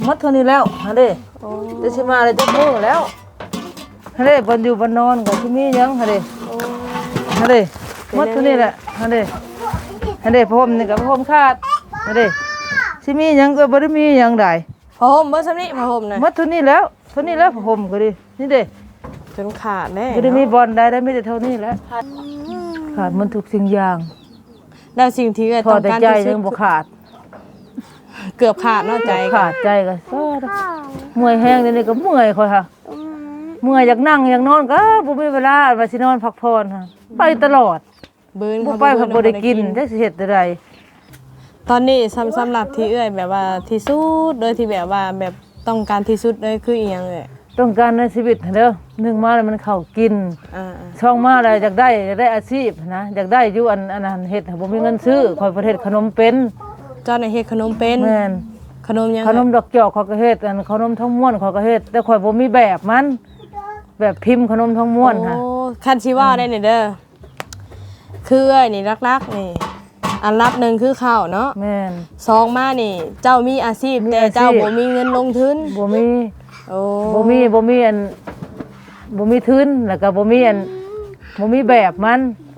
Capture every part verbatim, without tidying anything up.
หมดเท่านี้แล้วฮะเด้จะสิมาเลยจะมื้อแล้วฮะเด้บ่อยู่บ่นอนก็สิมีหยังฮะเด้ฮะเด้หมดเท่านี้แหละฮะเด้ฮะเด้ผมนี่ก็ผมขาดฮะเด้สิมีหยังก็บ่ได้มีหยังได้ผ้าห่มเบิ่ซำนี้ผ้าห่มน่ะหมดเท่านี้แล้วเท่านี้แล้วผมก็ดินี่เด้จนขาดแน่บ่ได้มีบ่อนได้ได้มีแต่เท่านี้แหละขาดมันทุกสิ่งอย่างแล้วสิ่งที่เอ้ยต้องการที่สุดใจยังบ่ขาดเกือบขาดเนาะใจขาดใจก็ซอดเมื่อยแห้งเดี๋ยวนี้ก็เมื่อยค่อยค่ะเมื่อยอยากนั่งอยากนอนก็บ่มีเวลาว่าสินอนพักผ่อนค่ะไปตลอดเบิ่นบ่ไปก็บ่ได้กินจักสิเฮ็ดจั่งใดตอนนี้สำสำหรับที่เอ้ยแบบว่าที่สุดโดยที่แบบว่าแบบต้องการที่สุดเลยคืออีหยังเอ้ยต้องการในชีวิตเด้อหนึ่งมาแล้วมันเข้ากินอ่าช่องมาแล้วอยากได้อยากได้อาชีพนะอยากได้อยู่อันอันนั้นเฮ็ดบ่มีเงินซื้อข่อยประเทศขนมเป็นเจ้าน่ะเฮ็ดขนมเป็นแม่นขนมยังขนมดอกจอกข่อยก็เฮ็ดอันขนมทองม้วนข่อยก็เฮ็ดแต่ข่อยบ่มีแบบมันแบบพิมพ์ขนมทองม้วนค่ะโอ้คันสิว่าได้นี่เด้อคือเอ้ยนี่รักๆนี่อันรับหนึ่งคือข้าวเนาะแม่นสองมานี่เจ้ามีอาชีพแต่เจ้าบ่มีเงินลงทุนบ่มีโอ้บ่มีบ่มีอันบ่มีทุนแล้วก็บ่มีอันบ่มีแบบมัน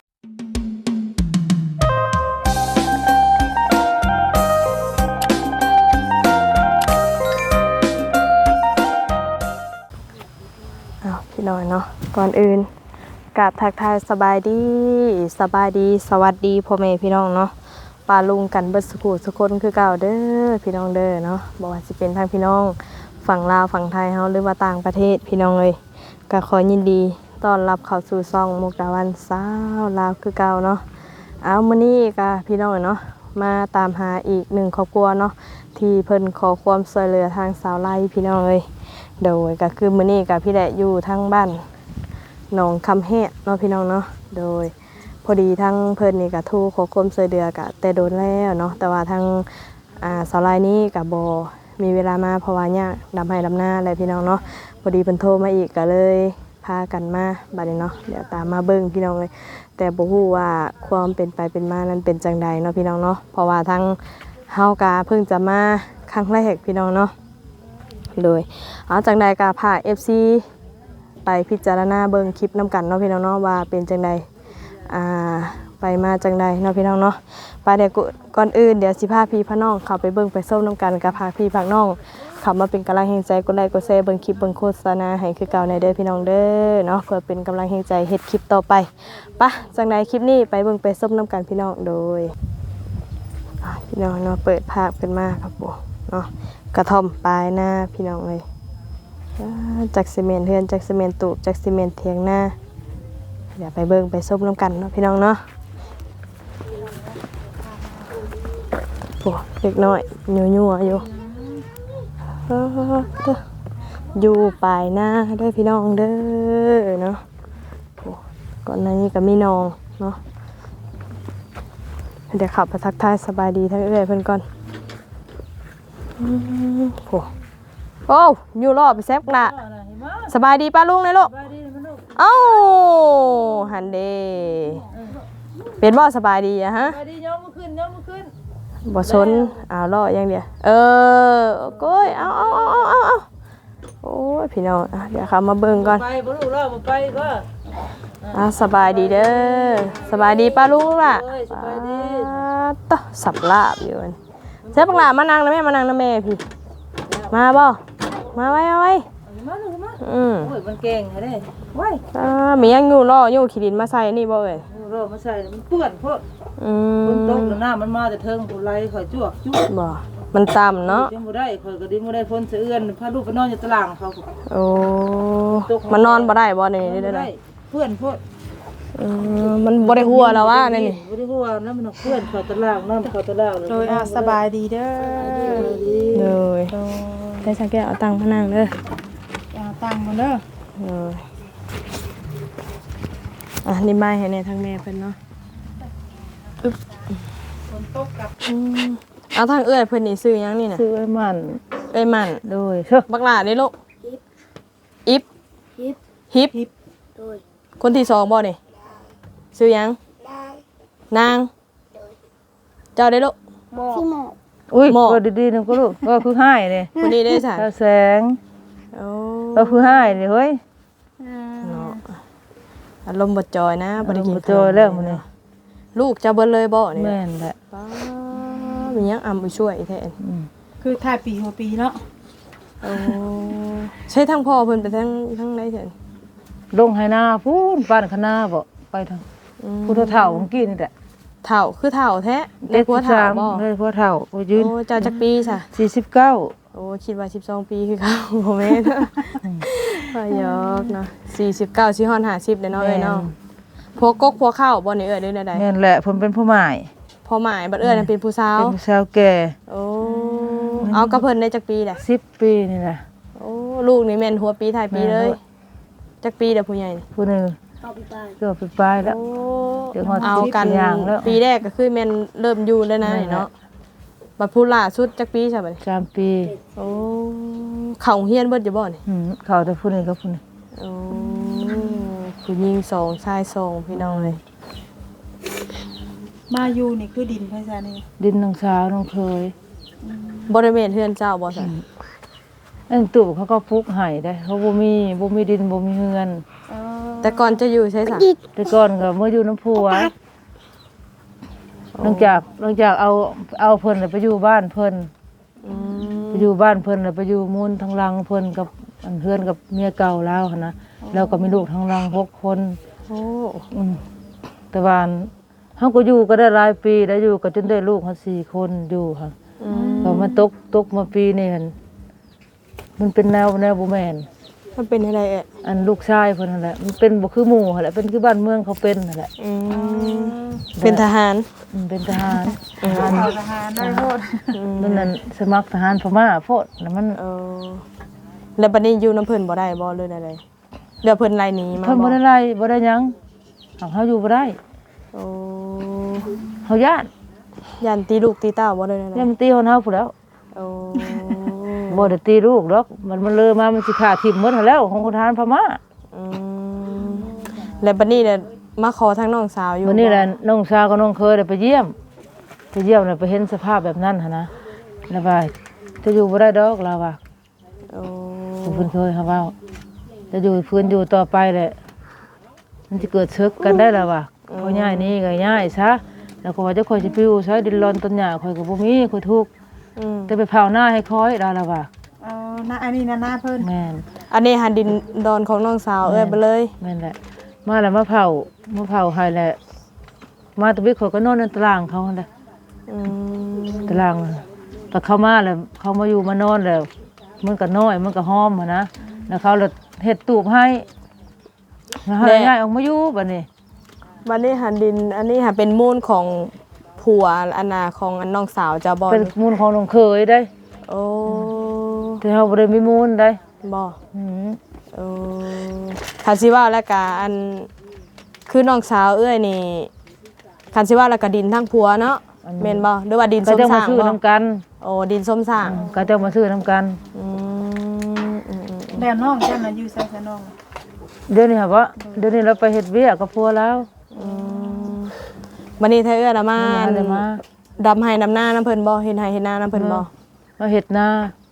อ้าวพี่น้อยเนาะก่อนอื่นกราบทักทายสบายดีสบายดีสวัสดีพ่อแม่พี่น้องเนาะปาลุงกันเบิดสุขุสุคนคือเก่าเด้อพี่น้องเด้อเนาะบ่ว่าสิเป็นทางพี่น้องฝั่งลาวฝั่งไทยเฮาหรือว่าต่างประเทศพี่น้องเอ้ยก็ขอยินดีต้อนรับเข้าสู่ช่องมุกดาวันสาวลาวคือเก่าเนาะเอามื้อนี้ก็พี่น้องเนาะมาตามหาอีกหนึ่งครอบครัวเนาะที่เพิ่นขอความช่วยเหลือทางสาวไร่พี่น้องเอ้ยโดยก็คือมื้อนี้ก็พี่แดะอยู่ทางบ้านหนองคำแฮะเนาะพี่น้องเนาะโดยพอดีทั้งเพิ่นนี่ก็โทรขอความช่วยเหลือกะแต่โดนแล้วเนาะแต่ว่าทางอ่าสาวไร่นี้ก็บ่มีเวลามาเพราะว่าเนี่ยดำให้ดำหน้าอะไรพี่น้องเนาะพอดีเพิ่นโทรมาอีกก็เลยพากันมาบัดนี้เนาะเดี๋ยวตามมาเบิ่งพี่น้องเลยแต่บ่ฮู้ว่าความเป็นไปเป็นมานั้นเป็นจังใดเนาะพี่น้องเนาะเพราะว่าทางเฮากะเพิ่งจะมาครั้งแรกพี่น้องเนาะโดยเอาจังใดก็พา เอฟ ซี ไปพิจารณาเบิ่งคลิปนํกันเนาะพี่น้องเนาะว่าเป็นจังใดอ่าไปมาจังใดเนาะพี่น้องเนาะไปเดี๋ยวก่อนอื่นเดี๋ยวสิพาพี่พาน้องเข้าไปเบิ่งไปส้มน้ำกันกับพาพี่พาน้องเข้ามาเป็นกำลังแห่งใจกดไลค์กดแชร์เบิ่งคลิปเบิ่งโฆษณาให้คือเก่าในเด้อพี่น้องเด้อเนาะเพื่อเป็นกำลังแห่งใจเฮ็ดคลิปต่อไปปะจังใดคลิปนี้ไปเบิ่งไปส้มน้ำกันพี่น้องโดยพี่น้องเนาะเปิดภาพขึ้นมาครับปู่เนาะกระท่อมปลายหน้าพี่น้องเลยจากซีเมนต์เฮือนจากซีเมนต์ตูบจากซีเมนต์เถียงหน้าเดี๋ยวไปเบิ่งไปส้มน้ำกันเนาะพี่น้องเนาะโอ้เด็กน้อยยัวยัวอยู่อยู่ปลายหน้าด้วยพี่น้องเด้อเนาะก่อนหน้านี้ก็มีน้องเนาะเดี๋ยวขับไปทักทายสบายดีทั้งเอื้อยเพิ่นก่อนโอ้โอ้อยู่รอไปแซฟละสบายดีป้าลุงเลยลูกเอ้าหันเดเป็นบ่สบายดีอะฮะสบายดีย้อมขึ้นย้อมขึ้นบ่ชนอ้าวรออย่างเดียวเออโก้ยเอาเอาเอาเอาเอาเอาโอ้ยพี่น้องเดี๋ยวเขามาเบิ่งก่อนไปบ่รู้รอบ่ไปก็อ่าสบายดีเด้อสบายดีป้าลุงล่ะสบายดีต่อสับลาบอยู่เจ้าปังหลามานั่งนะแม่มานั่งนะแม่พี่มาบ่มาไว้เอาไว้มาลูกมาอืมโอ้ยมันเก่งแท้เด้ไว้อ่ามียังอยู่รออยู่ขี้ดินมาใส่นี่บ่เอ้ยรอมาใส่มันเปื้อนพวกอืมฝนตกแล้วน้ำมันมาแต่เทิงผู้ไหลข่อยจวกจุ๊บบ่มันต่ำเนาะยังบ่ได้ข่อยก็ดิบ่ได้ฝนสะเอื้อนพาลูกไปนอนอยู่ตารางเขาโอ้มันนอนบ่ได้บ่นี่ได้ได้เพื่อนพวกเออมันบ่ได้หัวแล้วว่านี่นี่บ่ได้หัวนะมันเพื่อนเขาตารางนอนเขาตารางเลยโดยสบายดีเด้อเลยได้สังเกตเอาตังค์มานั่งเด้อเอาตังค์มาเด้อเอออ่ะนี่ไม้ให้แน่ทางแม่เพิ่นเนาะอึ๊บฝนตกกับเอาทางเอื้อยเพิ่นนี่ซื้อหยังนี่น่ะซื้อไอ้มันเอ้ยมันโดยเด้อบักหลานี่ลูกอิฟฮิปฮิปฮิปโดยคนที่สองบ่นี่ซื้อหยังนางนางเจ้าได้ลูกสิโมอุ้ยหมอก็ดีๆนึงก็ลูกก็คือให้นี่คนนี้ได้จ้ะตาแสงโอ้ก็คือให้นี่เฮ้ยเนาะอารมณ์บ่จอยนะบ่ได้กินบ่จอยแล้วมื้อนี้ลูกจะเบิ่เลยบ่นี่แม่นแหละป้ามีหยังอำไปช่วยแท้อืมคือถ่ายปีหัวปีเนาะโอ้ใช่ทั้งพ่อเพิ่นไปทั้งทั้งไหนเถินลงให้หน้าพูนบ้านคณะบ่ไปทางอืมพุทธเฒ่าเมื่อกี้นี่แหละเฒ่าคือเฒ่าแท้ได้ผัวเฒ่าบ่ได้ผัวเฒ่าโอ้ยืนโอ้เจ้าจักปีซะสี่สิบเก้าโอ้คิดว่าสิบสองปีคือเขาบ่แม่นว่ายอกเนาะสี่สิบเก้าสิฮอดห้าสิบเด้เนาะเอ้ยเนาะผัวกกผัวเข้าบ่นี่เอ้ยเด้อใดแม่นแหละเพิ่นเป็นผู้หมายๆพ่อหมายบัดเอ้ยนั่นเป็นผู้สาวเป็นผู้สาวแก่โอ้เอากับเพิ่นได้จักปีแหละสิบปีนี่แหละโอ้ลูกนี่แม่นหัวปีท้ายปีเลยจักปีเด้อผู้ใหญ่นี่ผู้หนึงเกือบไปปลายแล้วโอ้เดี๋ยวฮอดเอากันสิบอย่างแล้วปีแรกก็คือแม่นเริ่มอยู่แล้วนะนั่นแหละเนาะบัดผู้ล่าสุดจักปีใช่บัดสามปีโอ้เข้าโรงเรียนเบิดอยู่บ่นี่อืมเขาแต่ผู้หนึงกับผู้หนึงโอ้ผู้หญิงสองชายสองพี่น้องเลยมาอยู่นี่คือดินไผซะนี่ดินน้องสาวน้องเคยบริเวณเฮือนเจ้าบ่ซั่นอันตู่เขาก็ปลูกให้ได้ เขาบ่มีบ่มีดินบ่มีเฮือนเออแต่ก่อนจะอยู่ใช่ซะแต่ก่อนก็เมื่ออยู่น้ำผัวหลังจากหลังจากเอาเอาเพิ่นน่ะไปอยู่บ้านเพิ่นอืมไปอยู่บ้านเพิ่นน่ะไปอยู่มูลทางหลังเพิ่นกับอันเฮือนกับเมียเก่าแล้วหั้นนะแล้วก็มีลูกทางหลังหกคนโอ้อืมแต่ว่าอันเฮาก็อยู่ก็ได้หลายปีได้อยู่ก็จนได้ลูกเฮาสี่คนอยู่ค่ะอืมก็มาตกตกมาปีนี้หั่นมันเป็นแนวแนวบ่แม่นมันเป็นอะไรเอ่ยอันลูกชายเพิ่นนั่นแหละมันเป็นบ่คือหมู่หั่นแหละเป็นคือบ้านเมืองเขาเป็นนั่นแหละอืมเป็นทหารอืมเป็นทหารทหารเอาทหารได้โทษนั่นนั่นสมัครทหารพม่าโพดแล้วมันเออแล้วบัดนี้อยู่น้ำเพิ่นบ่ได้บ่เลยอะไรเดี๋ยวเพิ่นไล่หนีมาเพิ่นบ่ได้ไล่บ่ได้หยังเอาเฮาอยู่บ่ได้โอ้เฮาญาติยันตีลูกตีเต้าบ่เลยอะไรยังมันตีคนเฮาพู้นแล้วโอ้บ่ได้ตีลูกดอกมันมันเลยมามันสิฆ่าทิ่มหมดหั่นแล้วของคนทหารพม่าอืมแล้วบัดนี้เนี่ยมาขอทางน้องสาวอยู่วันนี้แหละบ่น้องสาวกับน้องเคยได้ไปเยี่ยมไปเยี่ยมแล้วไปเห็นสภาพแบบนั้นหั่นนะแล้วว่าจะอยู่บ่ได้ดอกเราว่าโอ้เพิ่นเคยเขาเว้าจะอยู่ฟื้นอยู่ต่อไปแหละมันสิเกิดศึกกันได้แล้วว่าพอย้ายนี่ก็ย้ายซะแล้วก็ว่าจะค่อยสิไปอยู่ใช้ดินร้อนต้นหญ้าค่อยก็บ่มีค่อยทุกข์อืมแต่ไปเผาหน้าให้คอยดาแล้วว่าเออหน้าอันนี้นะหน้าเพิ่นแม่นอันนี้หันดินดอนของน้องสาวเอ้ยไปเลยแม่นแหละมาแล้วมาเผามาเผาให้แหละมาตะบิกเขาก็นอนในตารางเขาหั่นแหละอืมตารางแต่เขามาแล้วเขามาอยู่มานอนแล้วมันก็น้อยมันก็หอมหั้นนะแล้วเขาเลยเฮ็ดตูบให้แล้วให้ย้ายออกมาอยู่บัดนี้บัดนี้หันดิน อันนี้หันเป็นมูลของผัวอันนาของอันน้องสาวเจ้าบ่เป็นมูลของน้องเคยได้โอ้แต่เฮาบ่ได้มีมูลได้บ่อืมเออคันสิว่าแล้วก็อันคือน้องสาวเอ้ยนี่คันสิว่าแล้วก็ดินทั้งผัวเนาะแม่นบ่หรือว่าดินก็ส้มจะสมาร้างซื้อบ่นํกันโอ้ดินส้มสร้างก็จะมาซื้อนํกันอืมอืมอืมแล้วน้องเจ้าน่ะอยู่ไสซะน้องเดี๋ยวนี้ครับว่าเดี๋ยวนี้เราไปเฮ็ดเวียกกับผัวแล้วอืมบัดนี้เธอเอ้ยละมามาเลยมาดำให้ดำหน้าน้ำเพิ่นบ่เฮ็ดให้เฮ็ดหน้าน้ำเพิ่นบ่มาเฮ็ดนา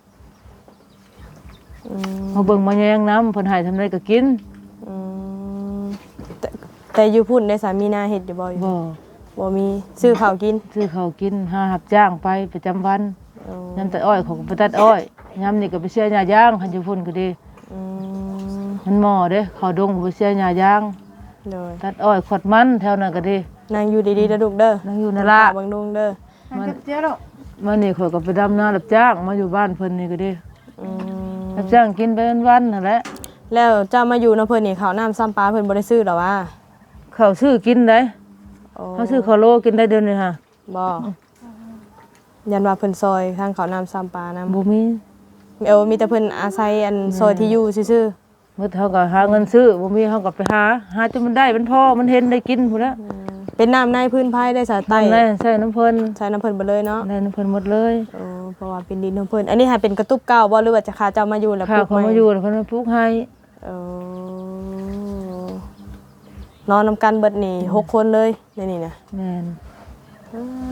อืมมาเบิ่งมาแยงน้ำเพิ่นให้ทำไดก็กินอืมแต่แต่อยู่พุ่นได้สามีนาเฮ็ดอยู่บ่อยู่บ่บ่มีซื้อข้าวกินซื้อข้าวกินหารับจ้างไปประจำวันโอ้ยามตัดอ้อยเขาก็ไปตัดอ้อยยามนี่ก็ไปเสียหญ้าย่างคันอยู่พุ่นก็ดีอืมมันหม้อเด้เขาดงก็ไปเสียหญ้าย่างเลยตัดอ้อยขวดมันแถวนั้นก็ดีนางอยู่ดีๆเด้อลูกเด้อนั่งอยู่นั่นล่ะเบิ่งดุงเด้อมันเจ้าดอกมานี่ข่อยก็ไปดำนารับจ้างมาอยู่บ้านเพิ่นนี่ก็ดีอืมรับจ้างกินไปวันๆนั่นแหละแล้วเจ้ามาอยู่น้ำเพิ่นนี่ข้าวน้ำซ้ำปลาเพิ่นบ่ได้ซื้อหรอวะข้าวซื้อกินได้โอ้เขาซื้อข้าวโลกินได้เดือนนึงค่ะบ่ยันว่าเพิ่นซอยทางข้าวน้ำซ้ำปลานำบ่มีเออมีแต่เพิ่นอาศัยอันซอยที่อยู่ซื่อเมื่อเขาก็หาเงินซื้อบ่มีเขาก็ไปหาหาจนมันได้มันพอมันเห็นได้กินพุ่นละๆเป็นน้ำในพื้นไผได้สาใต้ทำได้ใส่น้ำเพิ่นใช้น้ำเพิ่นบ่เลยเนาะได้น้ำเพิ่นหมดเลยเออเพราะว่าเป็นดินของเพิ่นอันนี้หาเป็นกระตุบเก่าบ่หรือว่าจะคาเจ้ามาอยู่แล้วข้าปวลูกเขาใหม่มาอยู่แล้วเพิ่นมาปลูกให้เออ นอนนำกันเบิดนี่หกคนเลยในนี่นะแม่นเออ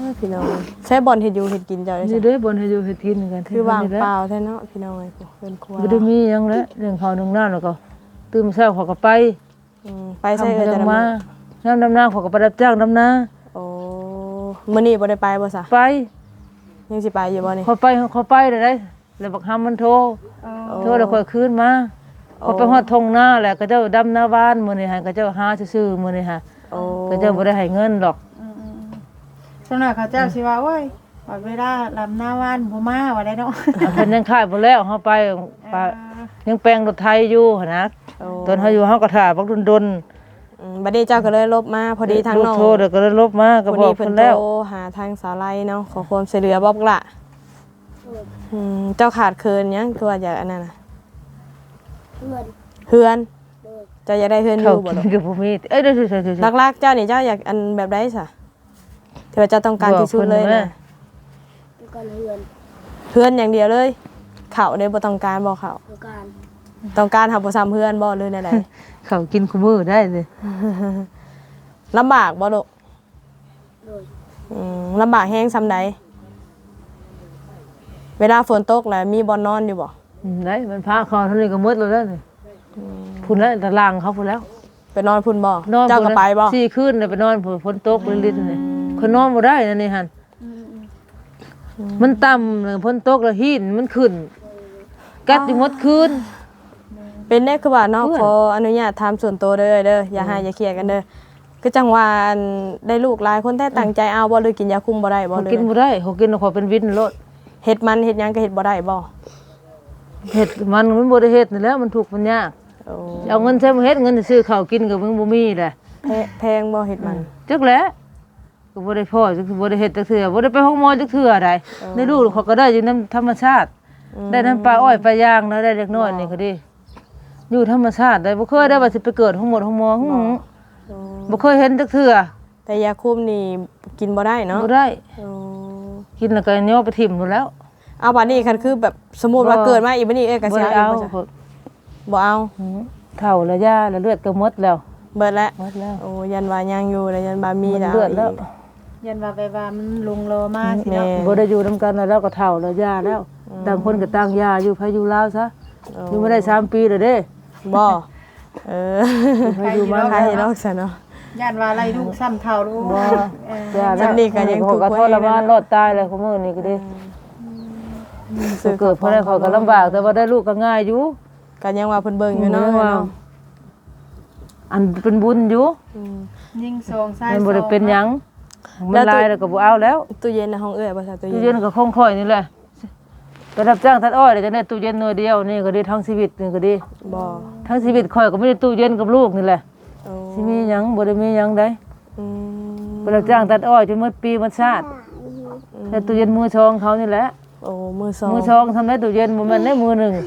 พี่น้องใช้บอลเฮ็ดอยู่เฮ็ดกินเจ้าได้นี่จ้ะเด้อบนให้อยู่เฮ็ดกินกันคือว่างเปล่าแท้เนาะพี่น้องเอ้ยเพิ่นครัวบ่ได้มีหยังแล้วเรื่องข้าวนึ่งน้ำแล้วก็ตื่นเช้าเขาก็ไปอืมไปใช้เอ้ยทำแต่จังละมามื้อน้ำดำนาเขาก็ไปรับจ้างดำนาโอ้มื้อนี้บ่ได้ไปบ่ซะไปยังสิไปอยู่บ่นี่เขาไปเขาไปได้ได้แล้วบักหำมันโทรอ๋อโทรแล้วค่อยคืนมาเขาไปฮอดทงนาแหละก็เจ้าดำนาบ้านมื้อนี้ฮะก็เจ้าหาซื่อๆมื้อนี้ฮะโอ้ก็เจ้าบ่ได้ให้เงินดอกอืมๆสำหรับเขาเจ้าสิว่าโอ้ยว่าเวลาลำหน้าว่านบ่มาว่าได้เนาะเพิ่นยังขายบ่แล้วเฮาไปไปยังแปลงรถไทยอยู่หั่นนะโอ้ตอนเฮาอยู่เฮาก็ถ่าบักดนอืมบัดนี้เจ้าก็เลยลบมาพอดีๆทางน้องโทรเดี๋ยวก็เลยลบมาก็พอบอกดีเพิ่เพิ่นนโทรแล้วหาทางสาไลเนาะขอความช่วยเหลือบอกละอืมเจ้าขาดเคินหยังคือว่าอยากอันนั้นน่ะเฮือนเจ้าอยากได้เฮือนอเขายู่บ่กิลูนกกับบ่มีเอ้ยเดี๋ยวๆๆหลักๆเจ้านี่เจ้าอยากอันแบบใดซะที่ว่าเจ้าต้องการที่สุดเลยนะเฮือนอย่างเดียวเลยข้าวได้บ่ต้องการบ่ข้าวต้องการหาบ่ซ้ำเฮือนบ่หรือแนวใดๆเขากินคุมื้อได้เลยลำบากบ่ลูกอืมลำบากแฮงซำใดเวลาฝนตกแล้วมีบ่อนนอนอยู่บ่อืมได้มันพาคอเท่านี้ก็หมดแล้วเด้อนี่พุ่นแล้วตารางเขาพุ่นแล้วไปนอนพุ่นบ่นอนเจ้าก็ไปบ่สี่คืนน่ะไปนอนพุ่นฝนตกลิ้นๆนี่เขานอนบ่ได้นั่นนี่หั่นมันต่ำเลยฝนตกแล้วหินมันขึ้นกัดอยู่หมดคืนเป็นได้คือว่าเนาะเพื่อนขออนุญาตถามส่วนตัวเด้อเด้ออย่าหาอย่าเครียดกันเด้อคือจังว่าอันได้ลูกหลายคนแท้ตั้งใจเอาบ่หรือกินยาคุมบ่ได้บ่เขาเลยกินบ่ได้เขากินแล้วเขาเป็นวินโลดเฮ็ดมันเฮ็ดหยังก็เฮ็ดบ่ได้บ่เฮ็ดมันมันบ่ได้เฮ็ดนี่แหล้วมันทุกข์มันยากโอ้เอาเงินใช้มาเฮ็ดเงินซื้อข้าวกินก็มึงบ่มีแหละแพแพงบ่เฮ็ดมันจักแหละก็บ่ได้พ่อจักบ่ได้เฮ็ดจักเทื่อบ่ได้ไปห้องหมอจักเทื่อใดในลูกเขาก็ได้อยู่น้ำธรรมชาติ ได้น้ำปลาอ้อยปลายางนะได้เล็กน้อยนี่ก็ดีอยู่ธรรมชาติได้บ่เคยได้ว่าสิไปเกิดห้องหมดห้องหมอหึโอ้บ่เคยเห็นจักเทื่อแต่ยาคุมนี่กินบ่ได้เนาะบ่ได้โอ้กินแล้วก็ย่อไปถิ่มหมดแล้วเอาบัดนี้คันคือแบบสมมุติว่าบ่เกิดมาอีกบัดนี้เอ้ยก็บ่สิได้เอาเอาอีกบ่จ้ะบ่เอาหึเฒ่าแล้วยาแล้วเลือดก็หมดแล้วเบิดแล้วหมดแล้วโอ้ยันว่ายังอยู่แล้วยันบ่ามีมันแล้วเลือดแล้วยันว่าไปว่ามันลงโลมาสิเนาะแม่บ่ได้อยู่นํกันแล้วก็เฒ่าแล้วยาแล้วต่างคนก็ต่างยาอยู่ไผอยู่ลาวซะอยู่มาได้สามปีแล้วเด้บ่เออไผอยู่มาใครเนาะซะเนาะยันว่าอะไรลูกซ้ำเท่าลูกบ่เออยาแล้วจำนี่ก็ยังถูกก็ไว้ทรมานรอดตายเลยคุมื้อนี้ก็ดีเกิดเพราะได้เขาก็ลำบากแต่ว่าได้ลูกก็ง่ายอยู่ก็ยังว่าเพิ่นเบิ่งอยู่เนาะว่าเนาะอันเป็นบุญอยู่อืมยิงซองซ้ายมันบ่ได้เป็นหยังแล้มันวตัวลายแล้วก็บ่เอาแล้วตู้เย็นในห้องเอื้อยบ่ซะตู้ตู้เย็เย็นนก็คงค่อยนี่แหละไปรับจ้างตัดอ้อยได้จังได๋ตู้เย็นหน่วยเดียวนี่ก็ดีทั้งชีวิตนี่ก็ดีบ่ทั้งชีวิตค่อยก็ไม่ได้ตู้เย็นกับลูกนี่แหละโอ้สิมีหยังบ่ได้มีหยังได้อืมไปรับจ้างตัดอ้อยจนหมดปีหมดชาติแต่ตู้เย็นมือชองเขานี่แหละโอ้มือสองมือชองทำได้ตู้เย็นบ่แม่นได้มือหนึง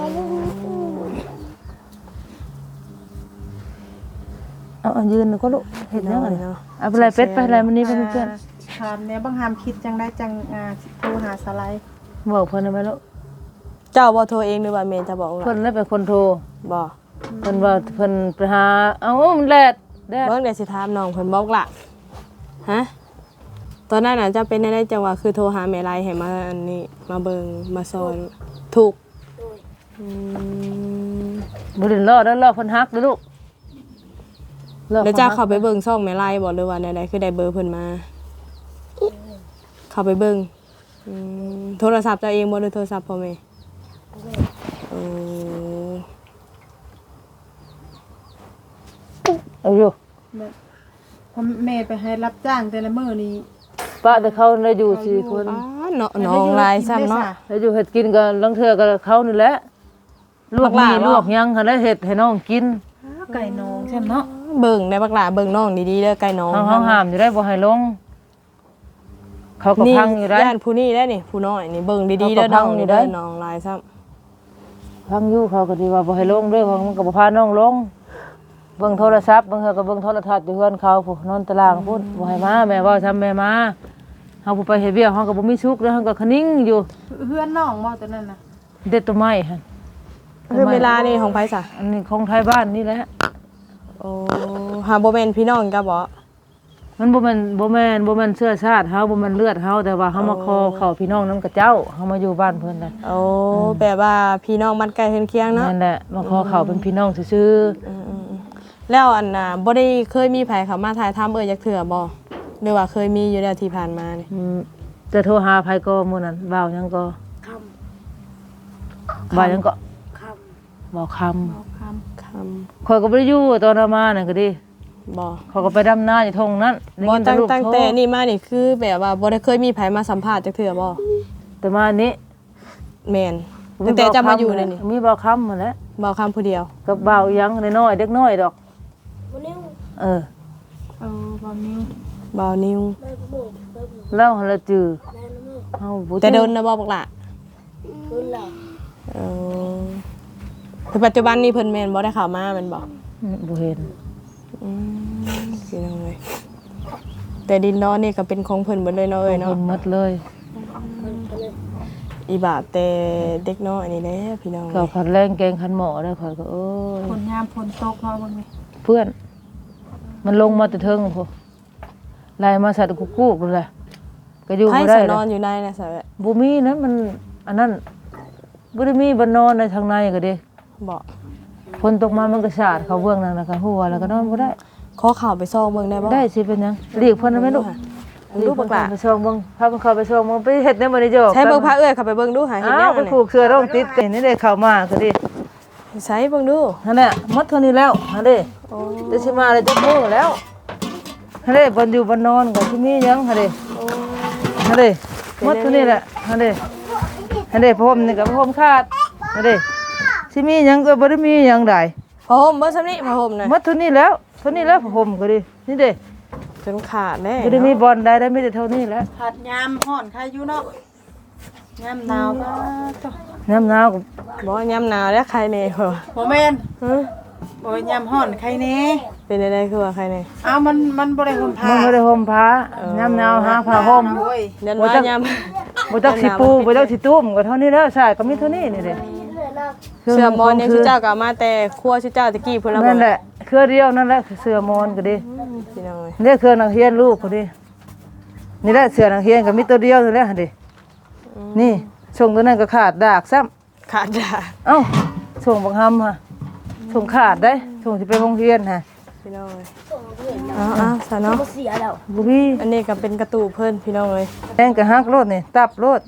เอาเอายืนก็ลูกเฮ็ดหยังอะเนาะเอาไปเลยเป็ดไปอะไรมันนี่เพิ่นเพื่อนถามแม่บังหามคิดจังได้จังอ่าโทรหาสไลด์บอกเพิ่นได้ไหมลูกเจ้าบ่โทรเองหรือว่าแม่จะบอกล่ะเพิ่นเลยเป็นคนโทรบ่เพิ่นว่าเพิ่นไปหาเอ้ามันแลดแดดเบิ่งเดี๋ยวสิถามน้องเพิ่นบอกล่ะฮะตอนนั้นน่ะเจ้าเป็นได้จังว่าคือโทรหาแม่ไลให้มาอันนี้มาเบิ่งมาซอยถูกอืมบ่ได้รอแล้วรอเพิ่นฮักเด้อลูกรอแล้วเจ้าพิ่นเข้าไปเบิ่งช่องแม่ไลบ่หรือว่าใดๆคือได้เบอร์เพิ่นมา เข้าไปเบิ่งอืมโทรศัพท์เจ้าเองบ่หรือโทรศัพท์พ่อแม่โอ้เอาอยู่เพราะแม่ไปให้รับจ้างแต่ละมื้อนี้ป้าแต่เขาได้อยู่สี่คนอ้าเนาะน้องลายซ้ำเนาะได้อยู่เฮ็ดกินก็ลังเทื่อก็เขานี่แหละลวกบักหมีลาบ่ลวกหยังเขาได้เฮ็ดให้น้องกินไก่นองใช่ไหมเนาะเบิ่งได้บักหลาเบิ่งน้องดีๆเด้อไก่น้องเฮาเฮาห้ามอยู่ได้บ่ให้ลง เขาก็นี่พังอยู่ได้ย่านผู้นี้ได้นี่ผู้น้อยนี่เบิ่งดีๆเขาก็เด้อน้องพังอยู่นี่ได้เด้อน้องลายซ้ำพังอยู่เขาก็สิว่าบ่ให้ลงเด้อเขามันก็บ่พาน้องลงเบิ่งโทรศัพท์เบิ่งเฮาก็เบิ่งโทรทัศน์อยู่เฮือนเขาพู้นอนตารางพุ่นบ่ให้มาแม่เว้าซ้ำแม่มาเฮาผู้ไปเฮ็ดเวียกเฮาก็บ่มีสุขเด้อเฮาก็คะนิ่งอยู่เพื่อนน้องบ่ตัวนั้นน่ะเด็ดต้นไม้หั่นคือเวลานี่ของไผซะอันนี้ของไทยบ้านนี่แหละโอ้หาบ่แม่นพี่น้องก็บ่มันบ่แม่นบ่แม่นบ่แม่นเชื้อชาติเฮาบ่แม่นเลือดเฮาแต่ว่าเฮามาคอเข้าพี่น้องนำกับเจ้าเฮามาอยู่บ้านเพิ่นน่ะโอ้แบบว่าพี่น้องมันใกล้เฮือนเคียงเนาะนั่นแหละมาคอเข้าเป็นพี่น้องซื่ออืมๆแล้วอันน่ะบ่ได้เคยมีไผเข้ามาถ่ายทำเอ้ยจักเทื่อบ่หรือว่าเคยมีอยู่แล้วที่ผ่านมานี่ๆอืมจะโทรหาไผก็มื้อนั้นบ่าวหยังก็คบ่าวหยังก็ำคำบ่าวคำเอาคำคำข่อยก็บ่ได้อยู่ตอนเอามานั่นก็ดิบ่เขาก็ไปดำนาอยู่ทงนั้นได้บ่ยินตั้งลูกตั้งโทรแต่นี่มานี่คือแบบว่าบ่ได้เคยมีไผมาสัมภาษณ์จักเทื่อบ่แต่มาอันนี้แม่นตั้งแต่จะมาอยู่เลยนี่มีบ่าวคำนั่นแหละบ่คำผู้เดียวกับบ่าวหยังน้อยๆเด็กน้อยดอกเออเอาบอลนิ้วบ่นิวแล้วหั่นละจือเฮาบ่แต่โดนนะบ่บักล่ะเออคือปัจจุบันนี้เพิ่นแม่นบ่ได้เข้ามาแม่นบ่อืมบ่เห็นอืมพี่น้องเอ้ยแต่ดินดอนนี่ก็เป็นของเพิ่นเบิดเลยเนาะเอ้ยเนาะเนาะหมดเลยอีบาทแต่เด็กน้อยนี่แหละพี่น้องก็ขันแรงแกงขันหมอได้ข่อยก็เอ้ยฝนยามฝนตกเราบ้างไหมเพื่อน มันลงมาแต่เทิงพุ่นไล่มาใส่ตะกุกกุกเลยก็อยู่ให้บ่ได้สเลนอนยอยู่ในนะสาวบ่มีนั้นมันอันนั้นบ่ได้มีบ่นอนในทางในก็ดิบ่ฝนตกมามันก็สาดเข้าเบื้องนั่นแล้วก็หัวแล้วก็นอนบ่ได้ขอข่าวไปซองเบิ่งได้บ่ได้สิเป็นหยังเรียกเพิ่นได้ไหมลูกลูกบักล่ะไปส่งเบิ่งพาเพิ่นเข้าไปส่งเบิ่งไปเฮ็ดในบ่ได้จบใช้เบิ่งพระเอื้อยเข้าไปเบิ่งดูหาเห็นอ้าแนววไปนั่นผูกเสื้อร่องติดกันนี่ได้เข้ามาก็ดิใช้เบิ่งดูนั่นแหละหมดเท่านี้แล้วนั่นเด้โอ้จะสิมาเลยจะมื้อแล้วนั่นเด้บ่อยู่บ่นอนก็สิมีหยังหั่นเด้โอ้นั่นเด้หมดเท่านี้แหละนั่นเด้นั่นเด้ผมนี่ก็ผมขาดนั่นเด้สิมีหยังก็บ่ได้มีหยังใดผ้าห่มเบิ่งซำนี้ผ้าห่มน่ะหมดเท่านี้แล้วเท่านี้แล้วผมก็ดินี่เด้จนขาดแน่บ่ได้มีบอลใดได้มีแต่เท่านี้แหล้วผัดยามห่อนใครอยู่เนาะยามหนาวก็ต้องน้ำหนาวก็บ่ยามหนาวแล้วใครแน่เหรอบ่แม่นฮะบ่ยามห่อนใครแน่เป็นได้คือว่าใครแน่อ้าวมันมันบ่ได้ห่มผ้ามันบ่ได้ห่มผ้าน้ำหนาวหาผ้าห่มโอ้ยเดือนว่ายามบ่จักสิปูบ่จักสิตุ้มก็เท่านี้แล้วใช่ก็มีเท่านี้นี่เด้เสื้อมอนยังชื่อเจ้าก็เอามาแต่ครัวชื่อเจ้าตะกี้พุ่นละบ่นั่นแหละเครือเดียวนั่นแหละเสื้อมอนก็ดิพี่น้องเอ้ยนี่เครือนักเรียนลูกก็ดินี่แหละเสื้อนักเรียนก็มีตัวเดียวนี่แหละหั่นดินี่ส่งตัวนั้นก็ขาดดากซ้ำขาดจ้าเอ้าส่งบักหำฮะส่งขาดได้ส่งสิไปโรงเรียนฮะพี่น้องเอ้ยเอาเอาซะเนาะบ่มีอันนี้ก็เป็นกระตูเพิ่นพี่น้องเอ้ยแดงก็ฮักโลดนี่ตับโลด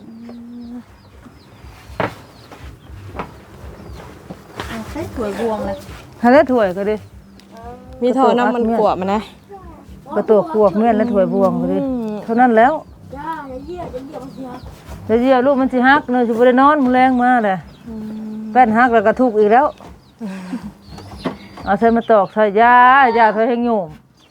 ใช้ถ้วยบวงเลยหั่นแล้วถ้วยก็ดิมีท่อน้ำมันกวบมานะกระตัวกวกเมียนและถ้วยบวงก็ดิเท่านั้นแล้วจะเยี่ยลูกมันสิฮักเนยสิบ่ได้นอนมื้อแรงมาแหละแป้นฮักแล้วก็ทุกข์อีกแล้วเอาใส่มาตอกใส่ยายาใส่ให้โยม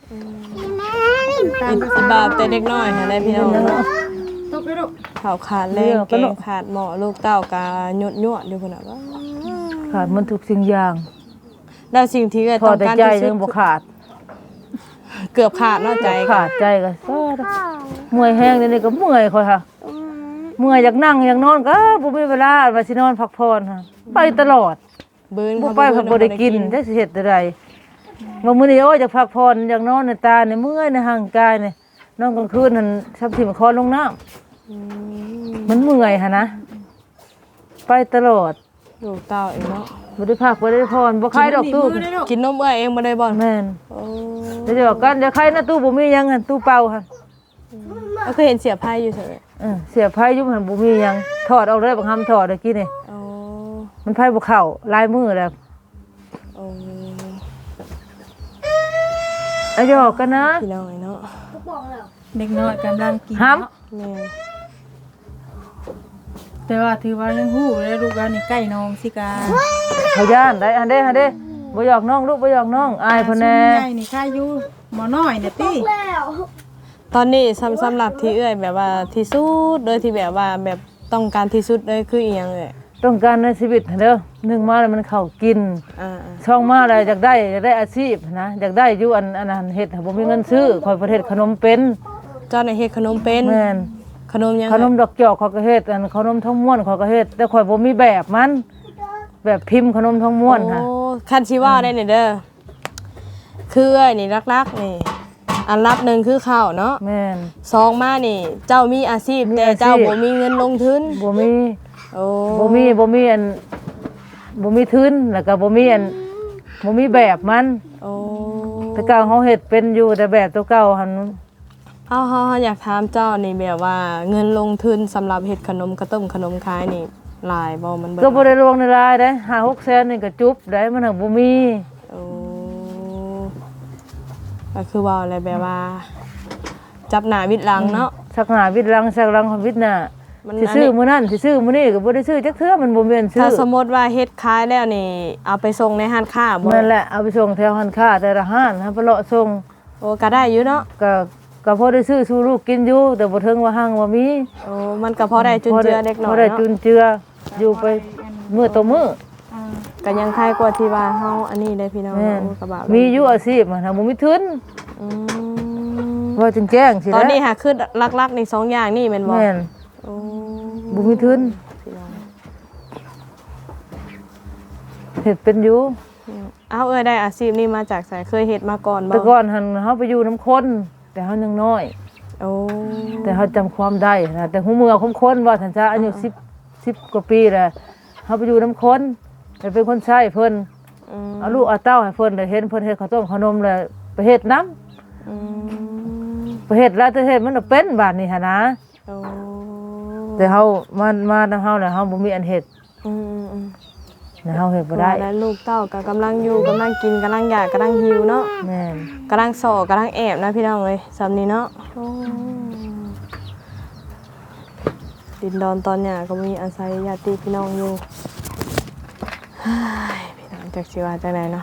อีบาทแต่เด็กน้อยนะได้พี่น้องตกไปลูกข้าวขาดแรงแกงขาดหม้อลูกเต้ากาหยดยวดอยู่พุ่นน่ะว่าขาดมันทุกสิ่งอย่างแล้วสิ่งที่เอ้ยพอต้องแต่การใจที่สุยัดงบ่ขาดเกือบขาดเนาะใจก็ขาดใจก็ซอดเมื่อยแห้งเดี๋ยวนี้ก็เมื่อยค่อยค่ะเมื่อยอยากนั่งอยากนอนก็บ่มีเวลาว่าสินอนพักผ่อนค่ะไปตลอดเบิ่นบ่ไปเพิ่นบ่ได้กินจักสิเฮ็ดจั่งใดว่ามื้อนี้โอ้ยอยากพักผ่อนอยากนอนในตาในเมื่อยในห่างกายนี่นอนกลางคืนนั่นซับสิมคอลงน้ำอืมมันเมื่อยหั่นนะไปตลอดลูกเต้าเองเนาะบ่ได้พักบ่ได้ผ่อนบ่คลายดอกตู้มือได้ลูกกินนมเอ้ยเองบ่ได้บ่แม่นโอ้เดี๋ยวบอกกันเดี๋ยวใครนะตู้บ่มีหยังหั่นตู้เปล่าหั่นก็คือเห็นเสียไพ่อยู่ซั่นแหละเออเสียไผอยู่หั่นบ่มีหยังถอดออกเลยบักหำถอดเมื่อกี้นี่โอ้มันไผบ่เข้าลายมือแล้วโอ้เอาหยอกกันนะพี่น้องเอ้ยเนาะเด็กน้อยกำลังกินห้เนาะแม่นแต่ว่าถือว่ายังฮู้เลยลูกว่านี่ใกล้น้องสิกาเขาย่านได้อันเด้อันเด้บ่หยอกน้องลูกบ่หยอกน้องอายเพิ่นแน่ใหญ่นี่ค่าอยู่หมอน้อยเนี่ยติตอนนี้สำสำหรับที่เอ้ยแบบว่าที่สุดโดยที่แบบว่าแบบต้องการที่สุดเลยคืออีหยังเอ้ยต้องการในชีวิตเด้อหนึ่งมาแล้วมันเข้ากินอ่าช่องมาแล้วอยากได้อยากได้อาชีพนะอยากได้อยู่อันอันนั้นเฮ็ดบ่มีเงินซื้อข่อยประเทศขนมเป็นๆเจ้าน่ะเฮ็ดขนมเป็นแม่นขนมยังขนมดอกจอกข่อยก็เฮ็ดอันขนมทองม้วนข่อยก็เฮ็ดแต่ข่อยบ่มีแบบมัน แบบพิมพ์ขนมทองม้วนค่ะโอ้คันสิว่าได้นี่เด้อคือเอ้ยนี่รักๆนี่อันรับหนึ่งคือข้าวเนาะแม่นสองมานี่ เจ้ามีอาชีพมีแต่อาชีพเจ้าบ่มีเงินลงทุนบ่มีโอ้บ่มีบ่มีอันบ่มีทุนแล้วก็บ่มีอันบ่มีแบบมันโอ้แต่เก่าเฮาเฮ็ดเป็นอยู่แต่แบบตัวเก่าหั่นเอาเฮาๆอยากถามเจ้านี่แบบว่าเงินลงทุนสำหรับเฮ็ดขนมข้าวต้มขนมขายนี่หลายบ่มันเบิดก็บ่ได้ลงในรายได้ห้าหกแสนนี่ก็จุบได้มันหักบ่มีโอ้ก็คือว่าอะไรแบบว่า จับหน้าวิดหลังเนาะสักหน้าวิดหลังสักหลังของวิดหน้ามันสิซื้อมื้อนั้นสิซื้อมื้อนี้ก็บ่ได้ซื้อจักเทื่อมันบ่แม่นซื้อถ้าสมมติว่าเฮ็ดขายแล้วนี่ เอาไปส่งในห้างค้าบ่นั่นแหละเอาไปส่งแถวร้านค้าแต่ละห้านให้ไปเลาะส่งโอ้ก็ได้อยู่เนาะก็ก็พอได้ซื้อสู่ลูกกินอยู่แต่บ่ถึงว่าห้างว่ามีโอ้มันก็พอได้จุนเจือเด็กน้อพอย ได้จุเนาะนเจืออยู่ไปมื้อต่อมื้ออ่าก็ยังคล้ายกว่าที่ว่าเฮาอันนี้ได้พี่น้องแม่นเนาะกระบะมีอยู่อาชีพมันถ้าบ่มีทุนอืมว่าจึงแจ้งสิตอนนี้แหละหาคือลักๆนี่สองอย่างนี่แม่นบ่แม่นโอ้บ่มีทุนพี่น้องเฮ็ดเป็นอยู่เอาเอ้ยได้อาชีพนี้มาจากไสเคยเฮ็ดมาก่อนบ่แต่ก่อนหันเฮาไปอยู่น้ำคนแต่เฮายังน้อยโอ้แต่เฮาจำความได้นะแต่หูเมือคมคนว่าท่านซะอายุสิบ สิบกว่าปีแล้วเฮาไปอยู่น้ำคนแต่เป็นคนใช้เพิ่นอืมเอาลูกเอาเต้าให้เพิ่นได้เห็นเพิ่นเฮ็ดข้าวต้มขนมแล้วไปเฮ็ดน้ำอืมไปเฮ็ดแล้วแต่เฮ็ดมันก็เป็นบาดนี้หั่นนะโอ้แต่เฮามามานํเฮาแล้วเฮาบ่มีอันเฮ็ดอืมอืมแล้วเฮาเฮ็ดบ่ได้แล้วลูกเต้าก็กำลังอยู่กำลังกินกำลังอยากกำลังหิวเนาะแม่นกำลังสอกำลังแอบนะพี่น้องเลยสำนี้เนาะดินดอนตอนเนี้ยก็มีอาศัยญาติพี่น้องอยู่เฮ้ยพี่น้องจากสิว่าจากไหนเนาะ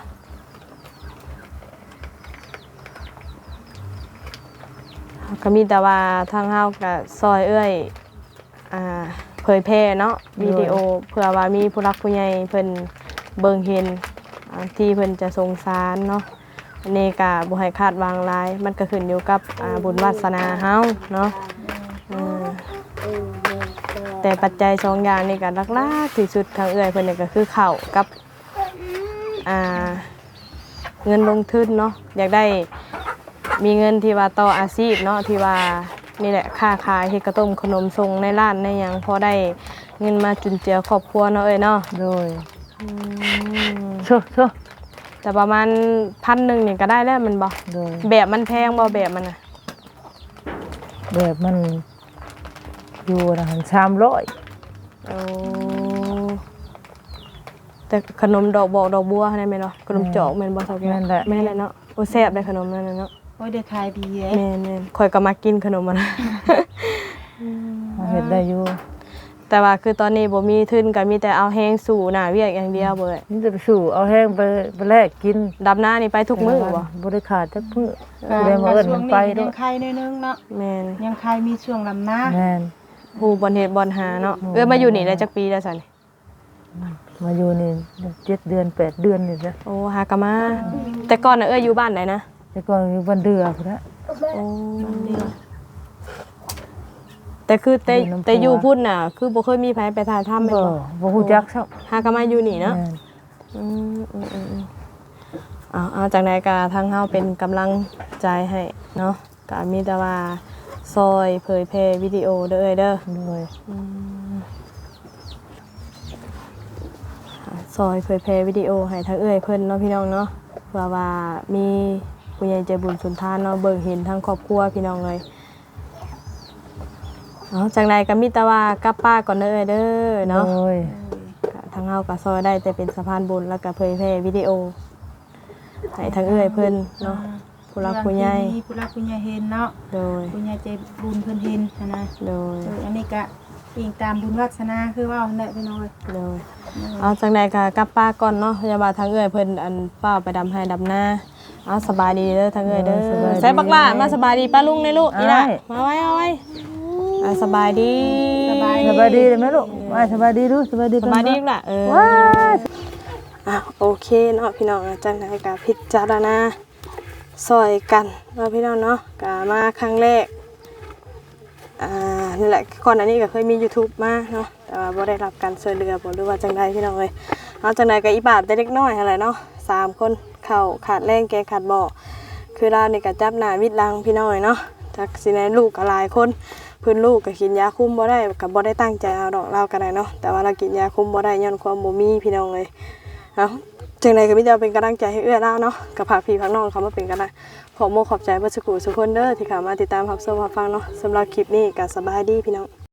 ก็มีแต่ว่าทางเฮากับซอยเอ้ยอ่าเผยแพร่เนาะวิดีโอเพื่อว่ามีผู้รักผู้ใหญ่เพิ่นเบิ่งเห็นอ่าที่เพิ่นจะสงสารเนาะ อันนี้ก็บ่ให้คาดวางหลายมันก็ขึ้นอยู่กับอ่าบุญวาสนาเฮาเนาะอืมแต่ปัจจัยสองอย่างนี่ก็หลักๆที่สุดทางเอื้อยเพิ่นนี่ก็คือข้าวกับอ่าเงินลงทุนเนาะอยากได้มีเงินที่ว่าต่ออาชีพเนาะที่ว่านี่แหละค้าขายเฮ็ดกระต้มขนมส่งในร้านในหยังพอได้เงินมาจุนเจือครอบครัวเนาะเอ้ยเนาะโดยอืมโชๆแต่ประมาณพันหนึ่งนี่ก็ได้แล้วแมันบ่โดยแบบมันแพงบ่แบบมันน่ะแบบมันอยู่นะหันสามร้อยโอ้แต่ขนมดอกบอกดอกบัวได้ไหมเนาะขนมจอกแม่นบ่เท่าแก่แม่นแหละแม่นแหละเนาะโอ้แซ่บได้ขนมนั่นน่ะเนาะโอ้ยได้ขายดีเด้แม่นแม่นข่อยก็มากินขนมมันเฮาเฮ็ดได้อยู่แต่ว่าคือตอนนี้บ่มีทุนก็มีแต่เอาแฮงสู่หน้าเวียกอย่างเดียวเบิดนี่จะไปสู่เอาแห้งไปไปแลกกินดับหน้านี่ไปทุกมื้อบ่บ่ได้ขาดจักมื้อก็ได้มาเอิ้นมันไปช่ด้ววงยนี้ยังขายนิดนึงเนาะแม่นยังขายมีช่วงลำหน้าแม่นฮู้บ่เฮ็ดบ่หาเนาะอืมเอ้ยมาอยู่นี่ได้จักปีแล้วซั่นมาอยู่นี่เจ็ดเดือนแปดเดือนนี่จ้ะโอ้หากะมาแต่ก่อนน่ะเอ้ยอยู่บ้านไหนนะแต่ก่อนอยู่บ้านเดือพุ่นน่ะโอ้แต่คือแต่อยู่น้ำพุแต่อยู่พุ่นน่ะ คือบ่เคยมีไผไปถ่ายทำแม่นบ่บ่บ่ฮู้จักซักหากะมาอยู่นี่เนาะแม่นอืมอืมอืมอืมเอาเอาจากไหนกะทางเฮาเป็นกำลังใจให้เนาะกะมีแต่ว่าซอยเผยแพร่วิดีโอเด้อเอ้ยเด้อโดยซอยเผยแพร่วิดีโอให้ทางเอ้ยเพิ่นเนาะพี่น้องเนาะเพื่อว่ามีผู้ใหญ่ใจบุญสุนทานเนาะเบิ่งเห็นทั้งครอบครัวพี่น้องเลยเอาจากไหนก็มีแต่ว่ากลับป้าก่อนเด้อเอ้ยเด้อเนาะโดยก็ทางเฮาก็ซอยได้แต่เป็นสะพานบุญแล้วก็เผยแพร่วิดีโอให้ทางเอ้ยเพิ่นเนาะผู้รักผู้ใหญ่มีผู้รักผู้ใหญ่เห็นเนาะโดยผู้ใหญ่ใจบุญเพิ่นเห็นนะนะโดยเอออันนี้ก็อิงตามบุญวาสนาคือว่าแหละพี่น้อยโดยเอาจากไหนก็กลับป้าก่อนเนาะพยาบาลทางเอ้ยเพิ่นอันเฝ้าไปดำให้ดำหน้าเอาสบายดีเด้อทางเอ้ยเด้อใส่บักล่ามาสบายดีป้าลุงในลูกนี่ล่ะมาไว้เอาไว้อ่าสบายดีสบายสบายดีเลยไหมลูกว่าสบายดีดูสบายดีสบายดีล่ะเออว้าอ่ะโอเคเนาะพี่น้องอ่ะจากไหนก็พิจารณาซอยกันเนาะพี่น้องเนาะก็มาครั้งแรกอ่านี่แหละก่อนอันนี้ก็เคยมี YouTube มาเนาะแต่ว่าบ่ได้รับการช่วยเหลือบ่หรือว่าจังใดพี่น้องเอ้ยเอาจังใดก็อีบาทแต่เล็กน้อยอะไรเนาะสามคนเข้าขาดแรงแกขาดบ่อคือเรานี่ก็จับหน้าวิดหลังพี่น้อยเนาะจักสิแม่ลูกก็หลายคนเพิ่นลูกก็กินยาคุมบ่ได้ก็บ่ได้ตั้งใจเอาดอกเราก็ได้เนาะแต่ว่าเรากินยาคุมบ่ได้ย้อนความบ่มีพี่น้องเลยเอ้าจังไดก็มีแต่เป็นกำลังใจให้เอื้อเราเนาะกับฝากพี่ฝากน้องเขามาเป็นกันนะขอโมขอบใจเบ่สุขุสุคนเด้อที่เข้ามาติดตามรับชมรับฟังเนาะสำหรับคลิปนี้ก็สบายดีพี่น้อง